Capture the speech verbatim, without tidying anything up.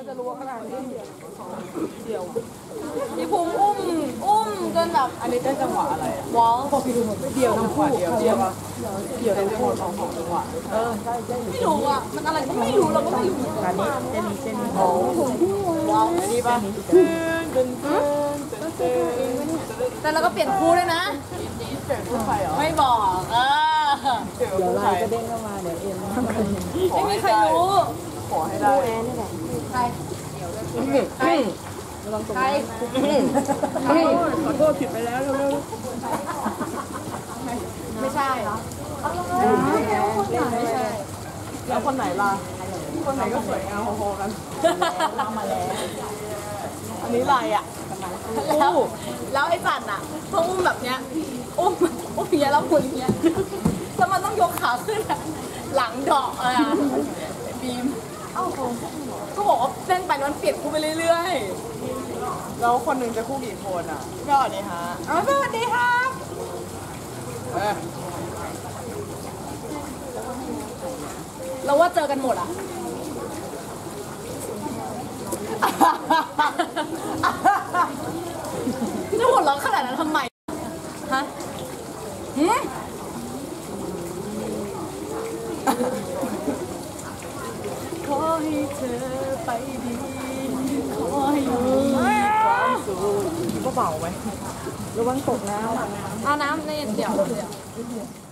จะรู้ขนาดนี้เดี่ยวพี่ภูมิอุ้มอุ้มจนแบบอันนี้ได้จังหวะอะไรวอลพอพี่ดูหมดเดี่ยวทั้งคู่เดี่ยวเดี่ยวเดี่ยวทั้งคู่สองของจังหวะเออใช่ใช่ไม่รู้อ่ะมันอะไรก็ไม่รู้เราก็ไม่รู้การนี้เจนนี่เจนนี่โอ้ว้าวอันนี้ป่ะตึ้งตึ้งตึ้งตึ้งแต่เราก็เปลี่ยนคู่ด้วยนะเปลี่ยนคู่ใครเหรอไม่บอกเออเดี๋ยวไลน์ก็เด้งเข้ามาเดี๋ยวเอ็มไม่มีใครรู้ขอให้ได้แอนนี่แหละใครใครใครขอโทษผิดไปแล้วเร็วๆไม่ใช่เหรอไม่ใช่แล้วคนไหนล่ะคนไหนก็สวยงามพอๆกันมาแล้วอันนี้ลายอ่ะแล้วแล้วไอ้สัตว์อ่ะเขาอุ้มแบบเนี้ยอุ้มอุ้มเนี้ยแล้วคุณเนี้ยแล้วมันต้องยกขาขึ้นหลังดอกอ่ะบีมก็บอกว่าเส้นไปมันเปลี่ยนคู่ไปเรื่อยๆแล้วคนหนึ่งจะคู่กี่คนอ่ะสวัสดีฮะอ๋อสวัสดีครับเราว่าเจอกันหมดอ่ะจะหัวเราะขนาดนั้นทำไมฮะหืมขอให้เธอไปดีขอให้มีความสุขก็เบาไหมระวังตกน้ำเอาน้ำในเดี๋ยว